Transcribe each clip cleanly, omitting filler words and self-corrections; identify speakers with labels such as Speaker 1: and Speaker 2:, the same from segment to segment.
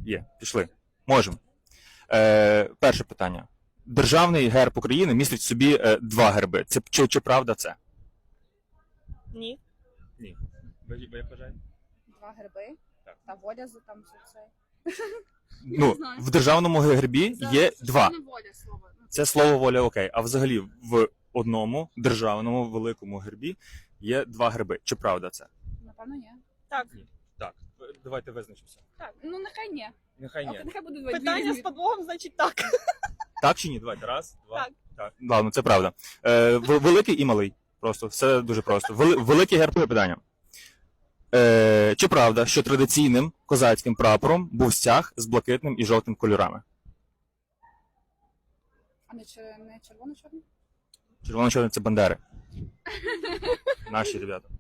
Speaker 1: Є, пішли. Можемо. Перше питання. Державний герб України містить в собі два герби. Це чи правда це?
Speaker 2: Ні.
Speaker 1: Ні. Ви як вважаєте?
Speaker 3: Два герби.
Speaker 1: Так.
Speaker 3: Та воля за там все це.
Speaker 1: Ну, в державному гербі є два.
Speaker 3: Це не воля слово.
Speaker 1: Це слово воля окей. А взагалі в одному державному великому гербі є два герби. Чи правда це?
Speaker 3: Напевно, ні.
Speaker 2: Так.
Speaker 1: Так. Давайте визначимося.
Speaker 3: Ну, нехай ні.
Speaker 1: Нехай ні.
Speaker 3: Нехай буде два.
Speaker 2: Питання з подвохом, значить так.
Speaker 1: Так чи ні? Давайте. Раз, два.
Speaker 2: Так.
Speaker 1: Так. Ладно, це правда. Великий і малий. Просто все дуже просто. Великий герб питання. Чи правда, що традиційним козацьким прапором був стяг з блакитним і жовтим кольорами?
Speaker 3: А не червоно-чорний?
Speaker 1: Червоно-чорний – це бандери. Наші ребята.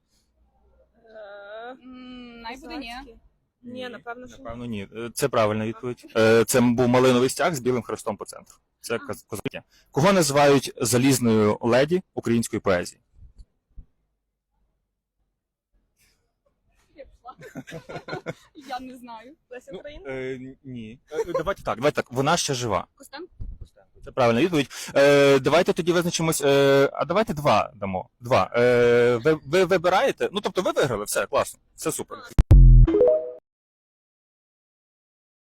Speaker 3: Най буде ні.
Speaker 2: Ні, напевно, що ні.
Speaker 1: Напевно, ні. Це правильна відповідь. Це був малиновий стяг з білим хрестом по центру. Це козаки. Кого називають залізною леді української поезії?
Speaker 3: Я пішла. Я не знаю.
Speaker 2: Леся Українка?
Speaker 1: Ні. Давайте так. Вона ще жива.
Speaker 3: Костенко?
Speaker 1: Це правильна відповідь. Давайте тоді визначимось. А давайте два дамо. Два. Ви вибираєте? Ну, тобто ви виграли, все, класно. Все супер.